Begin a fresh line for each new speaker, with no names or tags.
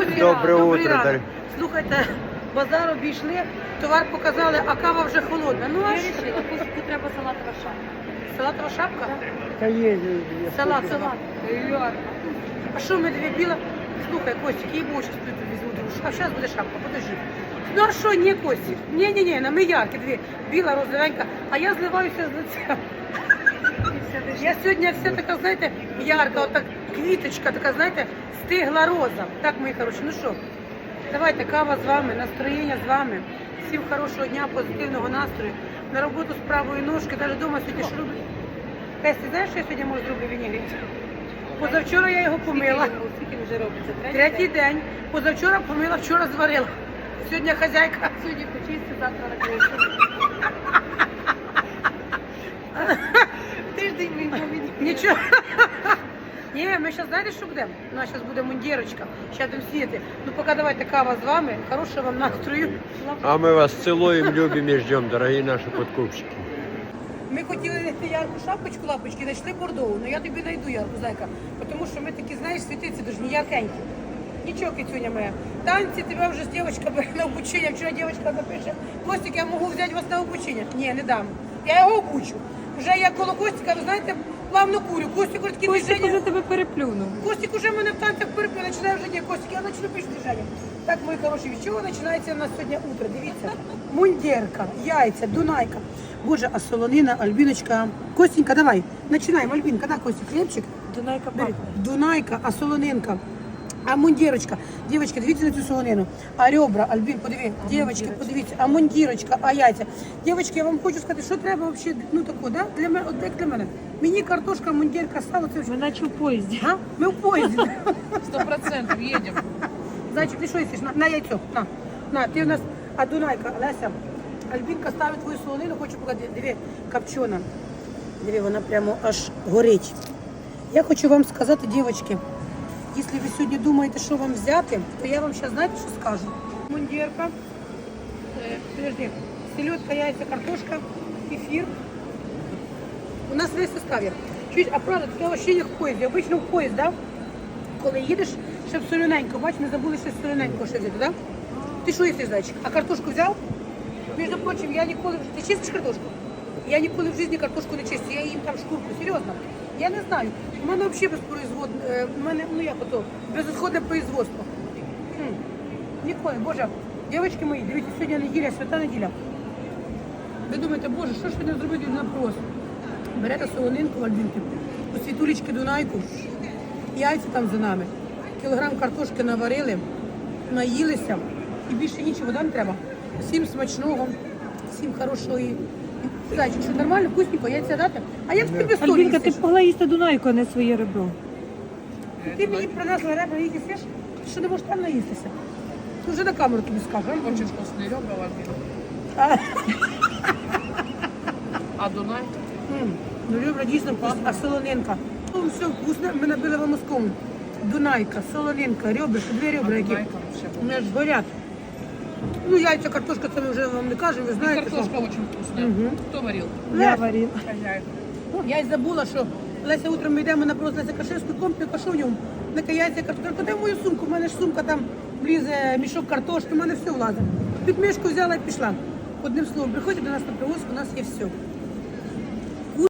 Друзі,
Доброе
добрий
утро,
ранок.
Дар'я.
Слухайте, базар обійшли, товар показали, а кава вже холодна. Ну а що?
Костику треба салатова шапка.
Салатова шапка?
Та є.
Салатова.
Салат.
А що ми дві біла? Слухай, Костик, їй більше візьму дружку. А зараз буде шапка, подожди. Ну а що, ні, Костик? Ні, на ми яркі дві. Біла, розовенька, а я зливаюся з лиця. Я сьогодні вся така, знаєте, ярка, отак квіточка, така, знаєте, стигла роза. Так, мої хороші, ну що, давайте, кава з вами, настроєння з вами. Всім хорошого дня, позитивного настрою. На роботу з правої ножки, навіть вдома сьогодні що роблю. Кесі, знаєш, що я сьогодні можу зроблю вінігрет? Позавчора я його помила.
Скільки вже робиться?
Третій день. Позавчора помила, вчора зварила. Сьогодні хазяйка.
Сьогодні почисти, завтра на кришку. Тиждень мені мені.
Нічого. Ні, ми зараз знаєте, що будемо? У нас зараз буде мундірочка, зараз будемо сіяти. Ну поки давайте кава з вами, хорошого вам настрою.
А мы вас целуем, любим и ждем, дорогие наши подкупщики.
Ми хотіли знайти ярку шапочку, лапочки, знайшли бордову, але я тобі знайду ярку, зайка. Тому що ми такі, знаєш, світиці дуже не яркенькі. Нічого, кицюня моя. Танці тебе вже дівчинка бере на обучення. Вчора дівчинка напише, Костик, я можу взяти вас на обучення. Ні, не дам. Я його обучу. Вже я коло Костика, ви знаєте, плавно курю. Костик уже такі
Костик
движення.
уже тебе переплюнув.
Костик уже мене в танцях перепив, починає вже ні, Костик, я почну піш движення. Так, мої хороші, від чого починається у нас сьогодні утро? Дивіться, мундірка, яйця, дунайка. Боже, а солонина, Альбіночка. Костенька, давай, починаємо, Альбінка, да, Костик, хлібчик?
Дунайка
Бери.
пахне.
Дунайка, а солонинка. А мундірочка, дівчатки, дивіться на цю солонину. А ребра, Альбін, подиви, дівчатки, подивіться, а мундірочка, а яйця. Дівчатки, я вам хочу сказати, що треба взагалі, ну тако, да? Для мене, от як для мене. Мені картошка, мундірка, сало, це
Ми наче в поїзді.
А? Ми в поїзді.
100% їдемо.
Зайчик, ти що їсиш? На яйцо, на, ти у нас, а Дунайка, Леся, Альбінка ставить твою солонину, хочу показати, диви, копчена. Диви, вона прямо аж горить. Я хочу вам сказати, дівчатки, якщо ви сьогодні думаєте, що вам взяти, то я вам зараз, знаєте, що скажу? Мундірка, подожди, селедка, яйця, картошка, кефір. У нас весь состав є. Чуть, а правда, таке ощущення в поїзді. Обично в поїзд, да? Коли їдеш, щоб солоненько, бач, не забули ще солоненько ще взяти, да? Ти що їсиш, зайчик? А картошку взяв? Між прочим, я ніколи... Ти чистиш картошку? Я ніколи в житті картошку не чистю, я їм там шкурку, серйозно. Я не знаю. У мене взагалі безпроизводне, у мене, ну як ото, безісходне производство. Ніколи, боже, дівчатки мої, дивіться, сьогодні неділя, свята неділя. Ви думаєте, боже, що ж сьогодні зробити на прос? Берете солонинку в Альбінки, у світулечки Дунайку, яйця там за нами, кілограм картошки наварили, наїлися і більше нічого нам треба. Всім смачного, всім хорошої. Зайчик, що нормально, вкусненько, яйця дати? А як тобі солі
Альбінка, ти
їсиш?
б могла їсти Дунайку, а не своє ребро.
Ти мені принесла ребра, їх їсиш? Ти що не можеш там наїстися? Ти вже на камеру тобі скажу.
Очень вкусные ребра, Альбина.
А,
А Дунай?
Ну, ребра дійсно вкусні, а солонинка. Ну, все вкусне, ми набили вам мозком. Дунайка, солонинка, ребра, дві ребра, які
Дунайка вообще
у мене ж горять. Ну, яйця, картошка, це ми вже вам не кажемо, ви
И
знаєте, що.
картошка очень вкусная.
Мгм.
Кто варил?
Я варила.
Хозяйка.
Я й забула, що Леся утром ми йдемо на просто Леся Кашевську, комплекс, а що в ньому? На яйця, картошка. Куди мою сумку? У мене ж сумка там влізе, мішок картошки, у мене все влазить. Під мішку взяла і пішла. Одним словом, приходьте до нас на привоз, у нас є все.